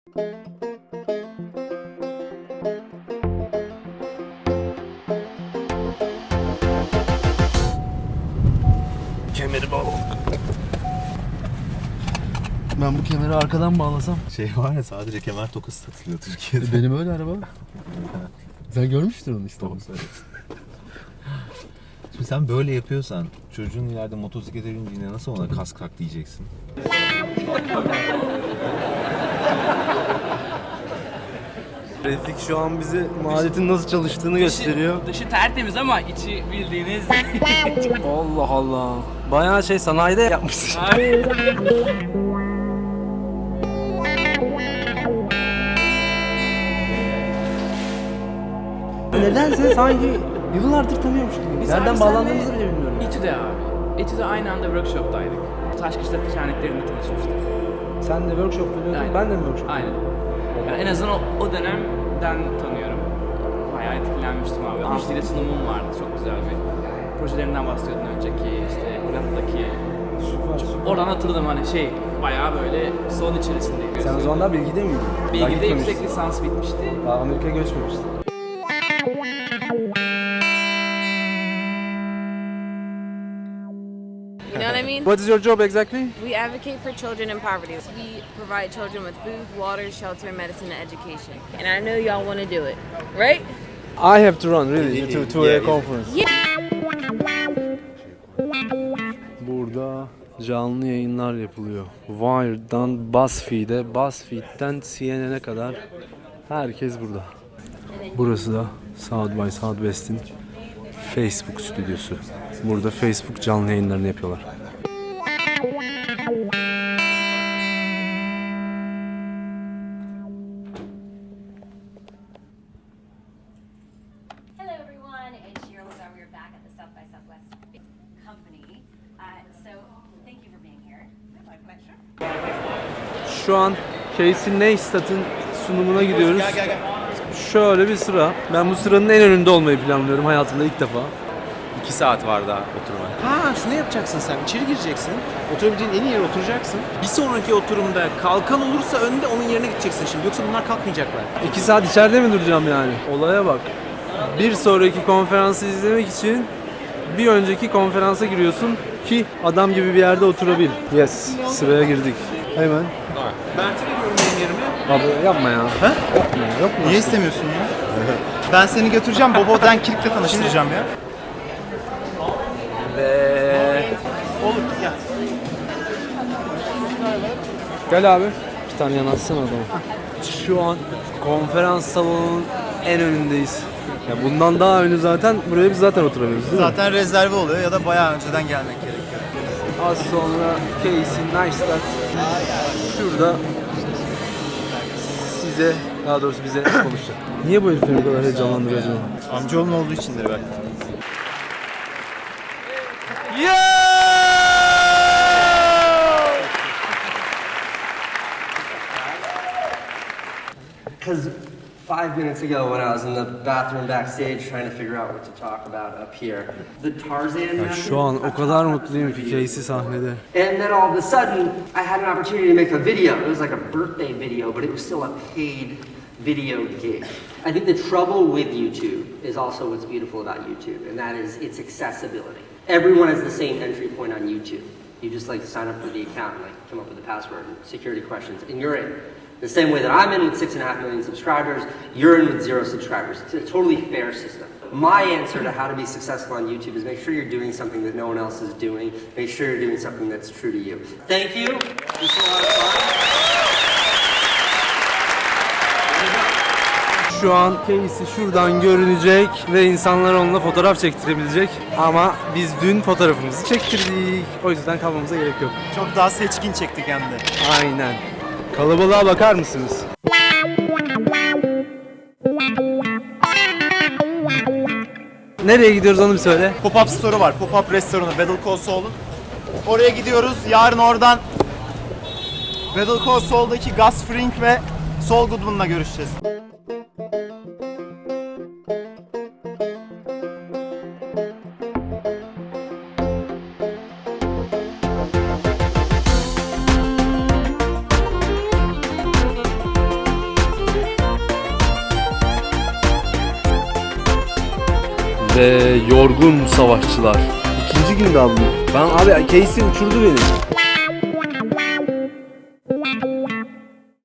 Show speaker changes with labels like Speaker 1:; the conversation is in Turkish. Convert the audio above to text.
Speaker 1: Kemeri bağladık. Ben bu kemeri arkadan bağlasam.
Speaker 2: Şey var ya, sadece kemer tokası satılıyor Türkiye'de.
Speaker 1: Benim öyle araba. Sen görmüştür onu işte.
Speaker 2: Şimdi sen böyle yapıyorsan çocuğun ileride motosiklete bindiğinde nasıl ona kask tak diyeceksin?
Speaker 1: Refik şu an bize maletin nasıl çalıştığını gösteriyor.
Speaker 3: Dışı tertemiz ama içi bildiğiniz...
Speaker 1: Allah Allah. Bayağı sanayide yapmışsın. Nedense sanki yıllardır tanıyormuş gibi. Nereden bağlandığımızı bile bilmiyorum.
Speaker 3: İTÜ'de abi. İTÜ'de aynı anda workshop'taydık. Taşkışla şenliklerinde tanışmıştık.
Speaker 1: Sen de workshop yapıyordun,
Speaker 3: Aynen.
Speaker 1: ben de mi workshop?
Speaker 3: Aynen. Yani en azından o dönemden tanıyorum. Bayağı etkilenmiştim abi. Müşteriyle sunumum vardı, çok güzel bir. Projelerinden bahsediyordun önceki, işte Hollanda'daki.
Speaker 1: Süper.
Speaker 3: Oradan hatırladım hani bayağı böyle son içerisindeyim.
Speaker 1: Sen o zamanlar Bilgi'de miydin? Daha
Speaker 3: Bilgi'de
Speaker 1: gitmemiştin.
Speaker 3: yüksek lisans bitmişti.
Speaker 1: Daha Amerika'ya göçmemiştin.
Speaker 4: You know what I mean?
Speaker 1: What is your job exactly?
Speaker 4: We advocate for children in poverty. We provide children with food, water, shelter, medicine, and education. And I know y'all want to do it, right?
Speaker 1: I have to run really to
Speaker 2: Yeah,
Speaker 1: a conference. Burada canlı yayınlar yapılıyor. Wired'dan BuzzFeed'e, BuzzFeed'den CNN'e kadar herkes burada. Burası da South by Southwest'in Facebook stüdyosu. Burada Facebook canlı yayınlarını yapıyorlar.
Speaker 5: Hello everyone, it's Cheryl Lazar. We're back at the South by Southwest company. So thank you for being here. My pleasure.
Speaker 1: Şu an Casey Neistat'ın sunumuna gidiyoruz. Şöyle bir sıra. Ben bu sıranın en önünde olmayı planlıyorum hayatımda ilk defa.
Speaker 2: 2 saat var daha oturmaya. Ha, şunu yapacaksın sen. İçeri gireceksin. Oturabileceğin en iyi yere oturacaksın. Bir sonraki oturumda kalkan olursa önde onun yerine gideceksin şimdi. Yoksa bunlar kalkmayacaklar.
Speaker 1: 2 saat içeride mi duracağım yani? Olaya bak. Bir sonraki konferansı izlemek için bir önceki konferansa giriyorsun ki adam gibi bir yerde oturabil. Yes, sıraya girdik. Hemen.
Speaker 2: Mert'e veriyorum benim yerime.
Speaker 1: Abi yapma ya.
Speaker 6: Ha?
Speaker 1: Yapma, yok mu?
Speaker 6: Niye istemiyorsun ya? Ben seni götüreceğim, Bobo Denkirk'le tanıştıracağım ya. Olur, gel.
Speaker 1: Gel abi. Bir tane yanaşsana adamı. Şu an konferans salonunun en önündeyiz. Ya bundan daha önce zaten buraya biz zaten oturamıyoruz değil mi?
Speaker 6: Zaten rezerve oluyor ya da bayağı önceden gelmek gerekiyor.
Speaker 1: Az sonra Casey Neistat şurada size, daha doğrusu bize konuşacak. Niye bu herifleri bu kadar heyecanlandırıyor acaba?
Speaker 6: Amcaoğlum olduğu içindir belki.
Speaker 7: Because 5 minutes ago when I was in the bathroom backstage trying to figure out what to talk about up here, the Tarzan method,
Speaker 1: Şu an o kadar mutluyum ki Casey sahnede.
Speaker 7: and then all of a sudden I had an opportunity to make a video. It was like a birthday video, but it was still a paid video gig. I think the trouble with YouTube is also what's beautiful about YouTube, and that is its accessibility. Everyone has the same entry point on YouTube. You just sign up for the account and come up with a password and security questions, and you're in. The same way that I'm in with 6.5 million subscribers, you're in with 0 subscribers. It's a totally fair system. My answer to how to be successful on YouTube is make sure you're doing something that no one else is doing. Make sure you're doing something that's true to you. Thank you. This was a lot of fun.
Speaker 1: Şu an Casey şuradan görünecek ve insanlar onunla fotoğraf çektirebilecek. Ama biz dün fotoğrafımızı çektirdik. O yüzden kalmamıza gerek yok.
Speaker 6: Çok daha seçkin çektik hem de.
Speaker 1: Aynen. Kalabalığa bakar mısınız? Nereye gidiyoruz onu bir söyle.
Speaker 6: Pop-up store'u var, pop-up restoranı Battle Call Saul'un. Oraya gidiyoruz, yarın oradan Battle Call Saul'daki Gus Fring ve Saul Goodman'la görüşeceğiz.
Speaker 1: ve yorgun savaşçılar. İkinci günde aldım. Ben abi Casey uçurdu beni.